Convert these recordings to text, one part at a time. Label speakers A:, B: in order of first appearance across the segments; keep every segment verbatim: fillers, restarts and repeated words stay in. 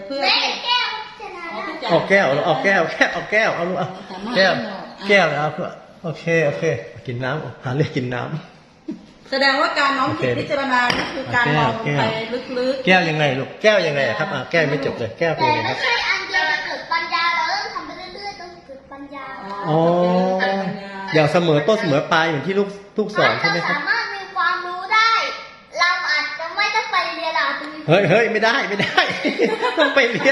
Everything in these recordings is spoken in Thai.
A: เพื่อที่
B: เอาแก้วเอาแก้วแก้วเอาแก้วเอาลูกเอาแก้วแก้วนะโอเคโอเคกินน้ำหาเรื่องกินน้ำ
A: แสดงว่าการน้อมจิตพิจารณานี่คือการมองไปลึกๆ
B: แก้วยังไงลูกแก้วยังไงครับแก้วไม่จบเลยแก้วเป็นยังไงครับ
C: แต่ไม่ใช่อันเดียวจะเกิดปัญญาเราต้องทำไปเรื่อยๆต้องเกิดปัญญา
B: อ๋ออย่างเสมอต้นเสมอปลายเหมือนที่ลูกลูกสอนใช่ไหมครับ
C: สามารถมีความรู้ได้เราอาจจะไม่ต้องไปเรียนเราอาจจะมี
B: เฮ้ยเฮ้ยไม่ได้ไม่ได้ต้องไปเรียน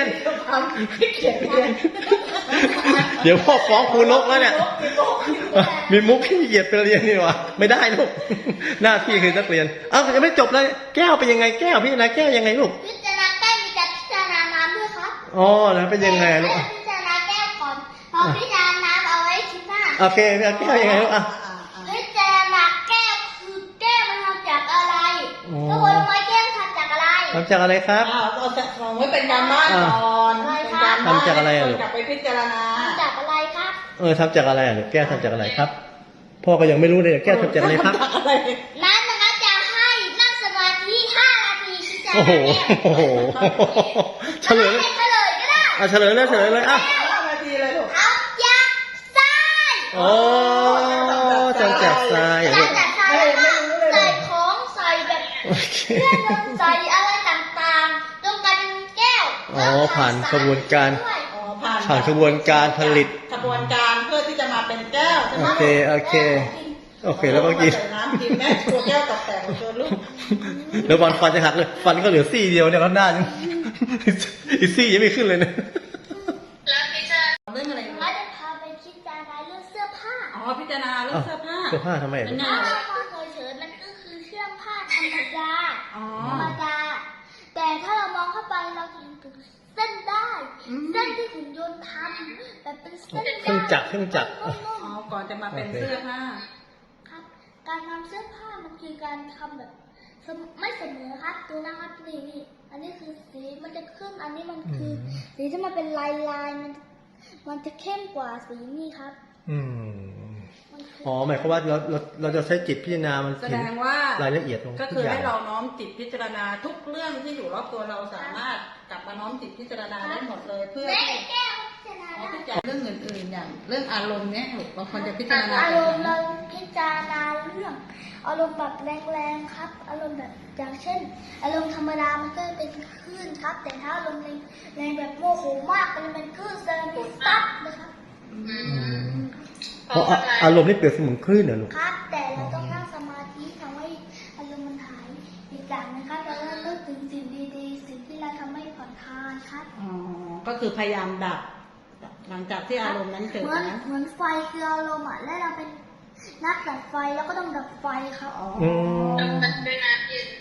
B: เดี๋ยวพ่อฟ้องครูนกแล้วเนี่ยมีมุกขี้เกียจไปเรียนนี่วะไม่ได้ลูกหน้าที่คือนักเรียนเอ้ายังไม่จบเลยแก้วเป็นยังไงแก้วพี่นะแก้วยังไงลูก
C: พิจารณาแก้วมีการพิจารณาน้ำด้วยครับ
B: อ๋อแล้วเป็นยังไงลูก
C: พิจารณาแก้วก่อนพอพิจารณาน้ำเอาไว้คิดหน้า
B: โอเคแก้วยังไงลูกอ่ะ
C: พิจารณาแก้วคือแก้วมันทำจากอะไรทุกคนรู้ไหมแก้วทำจากอะไร
B: ทำจากอะไรครับ
A: เอาจะมองไว้เป็นการบ้านก่อน
B: ทำจากอะไรอ่ะลูก
A: กลับไปพิจารณา
C: ทำจากอะไรครับ
B: เออทำจากอะไรอ่ะลูกแก้วทำจากอะไรครับพ่อก็ยังไม่รู้เลยแก้วทำจากอะไรครับ
C: นั้นนะคะจะให้นั่งสมาธิห้านาทีพิจารณา
B: โอ้โหโอ้โหเฉลย
C: เฉลยก็ได้
B: อ่ะเฉลยเลยเฉลยเลยอ่ะ
A: นาทีเลยลูก
C: ทำจากทราย
B: โอ้ทำจากทราย
C: ทำจากทรายใส่ของใส่แบบเครื่องใส่อะไรต่างๆต้องการเป็นแก้ว
B: อ๋อผ่านกระบวนการผ่านกระบวนการผลิต
A: กระบวนการเพื่อที่จะมาเป็นแก้วใช่ไหม
B: โอเคโอเคโอเคแล้วก็กิน
A: น้ำกินแม่ตัวแก้วตกแตกตัวลูก
B: แล้วฟันฟันจะหักเลยฟันก็เหลือซี่เดียวเนี่ยก็หน้ายังอีซี่ยังไม่ขึ้นเลยนะ
C: แล้วพิจารณาเรื่องอะไรเขาจะพาไปพิจารณาเรื่องเสื้อผ้า
A: อ๋อพิจารณาเรื่องเสื้อผ้า
B: เสื้อผ้าทำไม
C: เสื้อผ้าเฉยๆมันก็คือเสื้อผ้าธรรมดาธรรมดาแต่ถ้าเรามองเข้าไปเราจะเห็นถึงเส้นได้เส้นที่หุ่นยนต์ทำแบบเป็นเส้น
B: เครื่องจักรเครื่องจักร
A: อ๋อก่อนจะมาเป็นเสื้อผ้า
C: ครับการทำเสื้อผ้ามันคือการทำแบบไม่เสมอครับดูนะครับนี่นี่อันนี้คือสีมันจะขึ้นอันนี้มันคือสีที่มันเป็นลายลายมันมันจะเข้มกว่าสีนี่ครับ
B: อืมอ๋อหมายความว่าเราเราเราจะใช้จิตพิจารณามัน
A: แสดงว่าร
B: ายละเอียดตรง
A: ก็คือให้เราน้อมจิตพิจารณาทุกเรื่องที่อยู่รอบตัวเราสามารถกลับมาน้อมจิตพิจารณาได้หมดเลยเพื่อที่เรื่องอื่นๆอย่างเรื่องอารมณ์เนี้ยบางคนจะพิจารณา
C: อารมณ์เราพิจารณาเรื่องอารมณ์แบบแรงๆครับอารมณ์แบบอย่างเช่นอารมณ์ธรรมดามันก็เป็นคลื่นครับแต่ถ้าอารมณ์แรงแบบโมโหมากมันเป็นคลื่นเซรามิกซับนะครับ
B: เพราะอารมณ์นี่เปรียบเสมือนคลื่นเหรอลูก
C: ครับแต่เราต้องนั่งสมาธิทำให้อารมณ์มันหายอีกอย่างนะครับเราต้องนึกถึงสิ่งดีๆสิ่งที่เราทำให้ผ่อนคลายครับ
A: อ๋อก็คือพยายามดับหลังจากที่อารมณ์นั้นเกิด
C: นะเหมือนไฟคืออารมณ์อ่ะและเราเป็นนักดับไฟแล้วก็ต้องดับไฟครับอ๋อ
A: ดับด้วยน้ำเย็น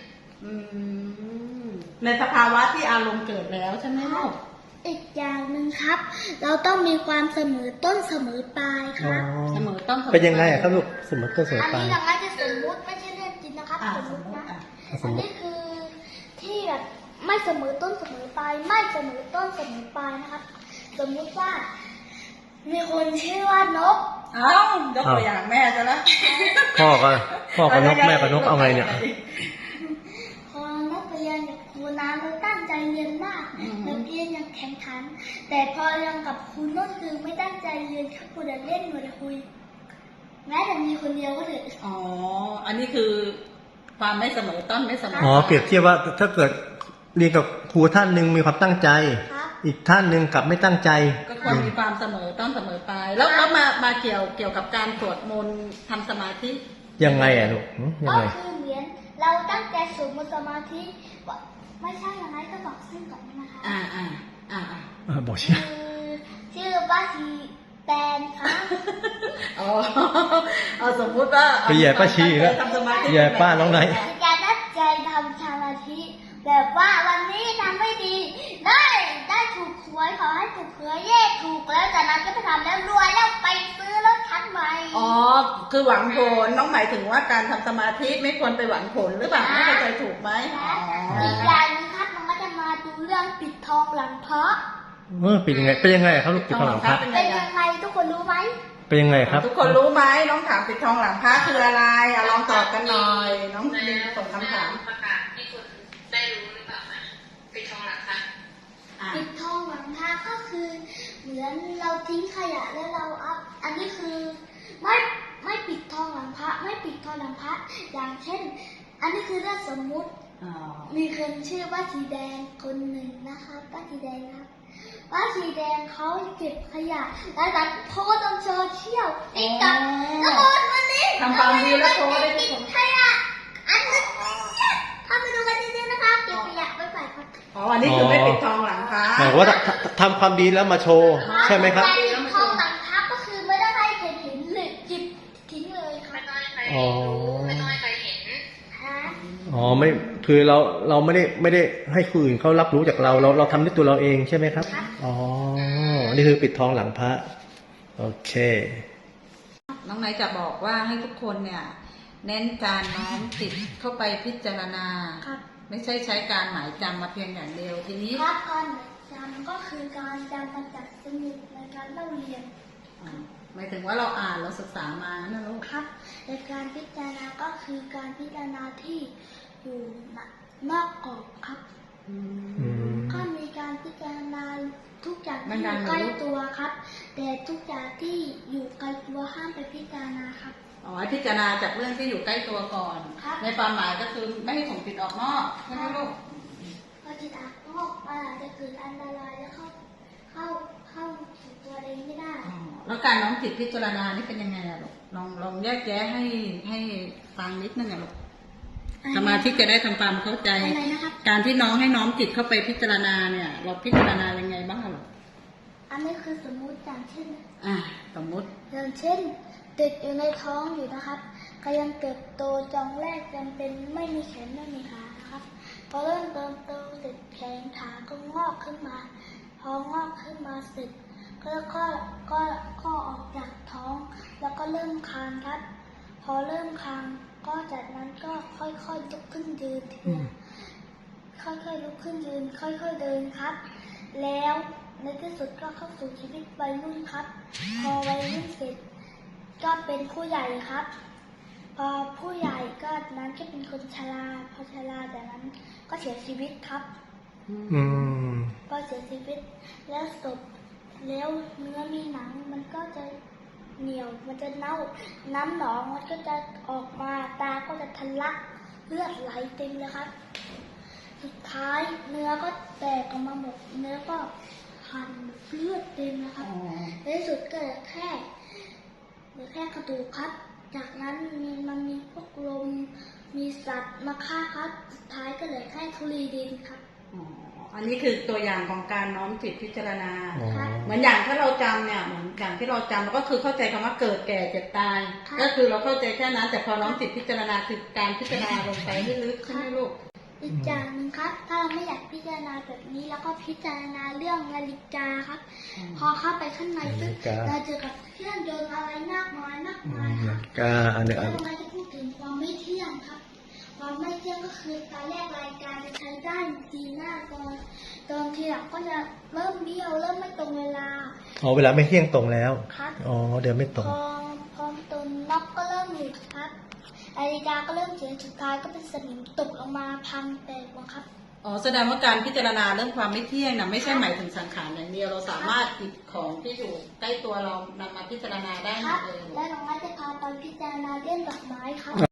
A: ในสภาวะที่อารมณ์เกิดแล้วใช่ไหมลูก
C: อีกอย่างหนึ่งครับเราต้องมีความเสมอต้นเสมอปลายครับ
A: เสมอต้น
B: เป็นยังไงครับลูกเสมอต้นเสมอปลาย
C: อันนี้เราไม่จะสมมุติไม่ใช่เรื่องจริงนะครับสมมุตินะอันนี้คือที่แบบไม่เสมอต้นเสมอปลายไม่เสมอต้นเสมอปลายนะครับสมมุติว่ามีคนชื่อว่านก
A: เอ้ายกตัวอย่างแม่จะละ
B: พ่อก็พ่อกับนกแม่กับนกเอาไงเนี่ย
C: พอนักเรียนกับครูน้ำเราตั้งใจเรียนมากนักเรียนยังแข่งขันแต่พอเรียนกับครูนกคือไม่ตั้งใจเรียนแค่ครูเดินเล่นหนูจะคุยแม้แต่มีคนเดียวก็เถอะ
A: อ๋ออันนี้คือความไม่เสมอต้นไม่เสมอ
B: อ๋อเปรียบเทียบว่าถ้าเกิดเรียนกับครูท่านหนึ่งมีความตั้งใจอีกท่านหนึ่งกลับไม่ตั้งใจ
A: ก็ควรมีความเสมอต้นเสมอปลายแล้วแล้วมามาเกี่ยวเกี่ยวกับการสวดมนต์ทำสมาธิ
B: ยังไงอ่ะลูกยังไง
C: ก็คือเหมือนเราตั้งใจสวดมนต์สมาธิไม่ใช่อย่างไรก็บอกชื่อก่อนนะคะ
A: อ่าอ่าอ่า
B: อ่าบอกชื่อ
C: ชื่อป้าชีแตนค่ะ
A: อ๋อเอาสมมุติว่า
B: ไปแย่ป้าชีแล้วแย่ป้าน้องไหน
C: การตั้งใจทำสมาธิแบบว่าวันนี้ทำไม่ดีได้ได้ถูกหวยขอให้ถูกหวยเย่ถูกแล้วจากนั้นก็ไปทำแล้วรวยแล้วไปซื้อรถคันใหม่
A: อ๋อคือหวังผลน้องหมายถึงว่าการทำสมาธิไม่ควรไปหวังผลหรือเปล่าไม่เข้าใจถูกไหม
C: อีกอย่างนึงครับมันก็จะมาดูเรื่องปิดทองหลังพระ
B: เออเป็นยังไงเป็นยังไงครับลูกปิดทองหลังพระ
C: เป็นยังไงทุกคนรู้ไหม
B: เป็นยังไงครับ
A: ทุกคนรู้ไหมน้องถามปิดทองหลังพระคืออะไรอ่ะลองตอบกันหน่อยน้องลินส่งคำถาม
D: ประกาศให้คนได้รู้หรือเปล่านะปิดทองหลังพระ
C: ปิดทอนเราทิ้งขยะแล้วเราเอาอันนี้คือไม่ไม่ปิดทองหลังพระไม่ปิดทองหลังพระอย่างเช่น อันนี้คือเรื่องสมมุติ
A: อ๋อ
C: มีคนชื่อป้าสีแดงคนหนึ่งนะคะป้าสีแดงครับป้าสีแดงเขาเก็บขยะแล้วดันโพสต์ลงโซเชียลติ๊กต็อกแล้วโพสต์วันนี้
A: ทำความดีแล้วโชว์ได้ทุ
C: เก็
A: ก
C: บ
A: คน
C: ขยะอันนี้เข้าไปดูกันดีๆนะคะเก็บขยะไปฝ่ายครับ
A: อ๋ออันนี้คือไม่ปิดทองหลังพระ
B: หมายความว่าทำทำความดีแล้วมาโชว์ใช่ไหมครับ
C: การปิดทองหลังพระก็คือไม่ได้ให้ใครเห็นหรือจิบทิ้งเลยค่ะ
B: อ๋อ
C: ฮะ
B: อ๋อไม่คือเราเราไม่ได้ไม่ได้ให้คนอื่นเขารับรู้จากเราเราเราทำด้วยตัวเราเองใช่ไหมครับอ๋อนี่คือปิดทองหลังพระโอเค
A: น้องไนท์จะบอกว่าให้ทุกคนเนี่ย เน้นการน้อมจิตเข้าไปพิจารณา
C: ครับ
A: ไม่ใช่ใช้การหมายจำมาเพียงอย่างเดียวทีนี้
C: ครับการจำก็คือการจำมาจากสมุดในการเล่าเรียน
A: อ่าหมายถึงว่าเราอ่านเราศึกษามานะลูก
C: ครับในการพิจารณาก็คือการพิจารณาที่อยู่นอกกรอบครับ
A: อืม
B: อืม
C: ก็มีการพิจารณาทุกอย่าง
A: มัน
C: ที่อ
A: ดัง
C: ยู่
A: เหรอ
C: ใกล้
A: ลูก
C: ตัวครับ แต่ทุกอย่างที่อยู่ไกลตัวห้ามไปพิจารณาครับ
A: อ๋อพิจารณาจากเรื่องที่อยู่ใกล้ตัวก่อน
C: ครับ
A: ในความหมายก็คือไม่ให้ส่งจิตออกนอกใช่ไหมลูก
C: พอจิตอาก็มันอาจจะเกิดอันตรายแล้วเข้าเข้าเข้าถึงตัวเองไม่ได้
A: อ๋อแล้วการน้อมจิตพิจารณานี่เป็นยังไงอะลูกลองลองแยกแยะให้ให้ฟังนิดนึงอะลูกสมาธิจะได้ทำความเข้าใจ
C: อะไรนะครับ
A: การที่น้องให้น้อมจิตเข้าไปพิจารณาเนี่ย เราพิจารณายังไงบ้างอะลูก
C: อันนี้คือสมมุติอย่างเช่น
A: อ่าสมมุติ
C: อย่างเช่นเด็กอยู่ในท้องอยู่นะครับกำลังเติบโตจองแรกยังเป็นไม่มีแขนไม่มีขานะครับพอเริ่มเติบโตเสร็จแขนขาก็งอกขึ้นมา พองอกขึ้นมาเสร็จก็ก็ก็ก็ออกจากท้อง แล้วก็เริ่มคลานครับ พอเริ่มคลานก็จากนั้นก็ค่อยๆลุกขึ้นยืนที
B: อื
C: ละ
B: ม
C: ค่อยๆลุกขึ้นยืน ค่อยๆเดินครับ แล้วในที่สุดก็เข้าสู่ชีวิตวัยรุ่นครับ พอวัยรุ่นเสร็จก็เป็นผู้ใหญ่ครับ พอผู้ใหญ่ก็นั้นก็เป็นคนชราพอชราจากนั้นก็เสียชีวิตครับ
B: อืม
C: พอเสียชีวิตแล้วศพแล้วเนื้อมีหนังมันก็จะเหนียวมันจะเน่าน้ำหนองมันก็จะออกมาตาก็จะทะลักเลือดไหลเต็มเลยครับ สุดท้ายเนื้อก็แตกออกมาหมดเนื้อก็หันเลือดเต็มนะครับ
A: อ๋อ
C: ในที่สุดก็เหลือแค่เหลือแค่กระดูกครับ จากนั้นมีมันมีพวกลมมีสัตว์มาฆ่าครับ สุดท้ายก็เหลือแค่ธุลีดินครับ
A: อ๋ออันนี้คือตัวอย่างของการน้อมจิตพิจารณา
B: อ๋อ
A: เหมือนอย่างถ้าเราจำเนี่ยเหมือนอย่างที่เราจำเราก็คือเข้าใจคำว่าเกิดแก่เจ็บตาย
C: ค่ะ
A: ก็คือเราเข้าใจแค่นั้น แต่พอน้อมจิตพิจารณาคือการพิจารณาลงไปให้ลึกใช่ไหมลูก
C: อีกอย่างหนึ่งครับ ถ้าเราไม่อยากพิจารณาแบบนี้แล้วก็พิจารณาเรื่องนาฬิกาครับ
A: อืม
C: พอเข้าไปข้างในปึ๊บ
B: นาฬิกา
C: เราเจอกับเครื่องยนต์อะไรมากมายมาก
B: อื
C: มาย
B: ม
C: ครับ
B: กาอันหนึ่ง
C: แล้
B: อั
C: วน เราจะพูดถึงความไม่เที่ยงครับ ความไม่เที่ยงก็คือตอนแรกรายการจะใช้ได้ดีหน้าตอนตอนทีหลังก็จะเริ่มเบี้ยวเริ่มไม่ตรงเวลา
B: อ๋อเวลาไม่เที่ยงตรงแล้ว
C: ครับ
B: อ๋อเดินไม่ตรง
C: พอพอตุนน็อกก็เริ่มหลุดครับนาฬิกาก็เริ่มเสียสุดท้ายก็เป็นสนิมตกลงมาพังแตกหมดครับ
A: อ๋อแสดงว่าการพิจารณาเรื่องความไม่เที่ยงนะไม่ใช่หมายถึงสังขารอย่างเดียวเราสามารถหยิบของที่อยู่ใกล้ตัวเรานำมาพิจารณาได้ห
C: ค
A: ม
C: รับ
A: ดเลย
C: และน้องไม้จะพาไปพิจารณาเรื่องดอกไม้ครับ